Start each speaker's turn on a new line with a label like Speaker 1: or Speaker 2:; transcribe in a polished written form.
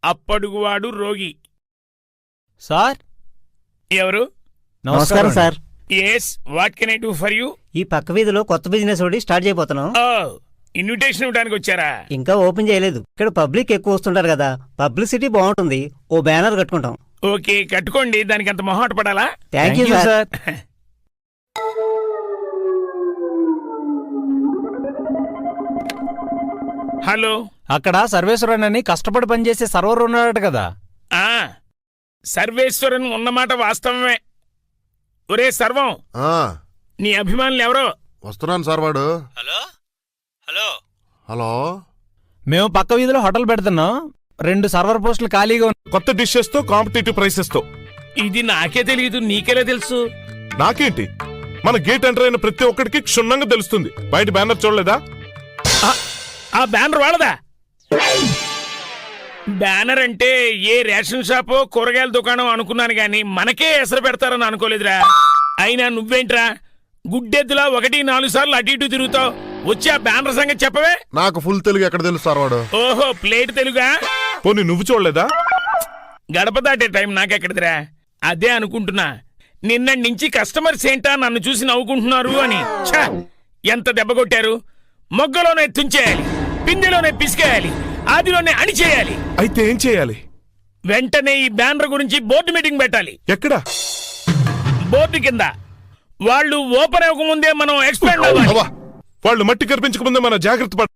Speaker 1: అప్పడుగువాడు రోగి.
Speaker 2: సార్
Speaker 1: ఎవరు?
Speaker 3: నమస్కారం sir.
Speaker 1: Yes, what can I do for you?
Speaker 3: ఈ పక్క వీధిలో కొత్త బిజినెస్ ఒకటి స్టార్ట్ చేయబోతున్నాం.
Speaker 1: ఇన్విటేషన్ ఇవ్వడానికి వచ్చారా?
Speaker 3: ఇంకా ఓపెన్ చేయలేదు. ఇక్కడ పబ్లిక్ ఎక్కువ వస్తుంటారు కదా, పబ్లిసిటీ బాగుంటుంది. ఓ బ్యానర్ కట్టుకుంటాం.
Speaker 1: ఓకే, కట్టుకోండి. దానికి అంత మొహాట పడాలా?
Speaker 3: Thank you sir.
Speaker 1: హలో,
Speaker 2: అక్కడ సర్వేశ్వరన్ అని కష్టపడి పనిచేసే సర్వర్ ఉన్నాడట కదా.
Speaker 1: సర్వేశ్వరన్ ఉన్నమాట వాస్తవమే. ఒరే సర్వం, నీ అభిమానులు ఎవరో?
Speaker 4: వస్తున్నాను సార్. వాడు
Speaker 2: హలో హలో
Speaker 4: హలో,
Speaker 2: మేము పక్క వీధిలో హోటల్ పెడుతున్నాం. 2 సర్వర్ పోస్టులు ఖాళీగా ఉన్నాయి.
Speaker 5: కొత్త డిషెస్ తో, కాంపిటేటివ్ ప్రైసెస్ తో.
Speaker 1: ఇది నాకే తెలియదు, నీకెలా తెలుసు?
Speaker 5: నాకేంటి, మన గేట్ ఎంటర్ అయిన ప్రతి ఒక్కడికి క్షుణ్ణంగా తెలుస్తుంది. బయట బ్యానర్ చూడలేదా?
Speaker 1: ఆ బ్యానర్ వాళ్ళదా? బ్యానర్ అంటే ఏ రేషన్ షాపో కూరగాయల దుకాణం అనుకున్నాను గాని మనకే ఎసరు పెడతారని అనుకోలేదురా. అయినా నువ్వేంట్రా గుడ్డెద్దులా 1-4 సార్లు అటు ఇటు తిరుగుతావు? వచ్చి ఆ బ్యానర్ సంగతి చెప్పవే.
Speaker 4: నాకు ఫుల్ తెలుగు ఎక్కడ తెలుసు సార్? వాడు
Speaker 1: ఓహో, ప్లేట్ తెలుగా?
Speaker 5: పోనీ నువ్వు చూడలేదా?
Speaker 1: గడప దాటే టైం నాకెక్కడిదిరా. అదే అనుకుంటున్నా, నిన్నటి నుంచి కస్టమర్స్ ఏంటా నన్ను చూసి నవ్వుకుంటున్నారు అని. ఛ, ఎంత దెబ్బ కొట్టారు! మొగ్గలోనే తుంచేయాలి, పిందెలోనే పిసికేయాలి, ఆదిలోనే అణిచేయాలి.
Speaker 5: అయితే ఏం చేయాలి?
Speaker 1: వెంటనే ఈ బ్యానర్ గురించి బోర్డు మీటింగ్ పెట్టాలి.
Speaker 5: ఎక్కడ?
Speaker 1: బోర్డు కింద. వాళ్ళు ఓపెన్ అవ్వకముందే మనం ఎక్స్పాండ్ అవ్వాలి.
Speaker 5: వాళ్ళు మట్టి కనిపించకముందే మన జాగ్రత్త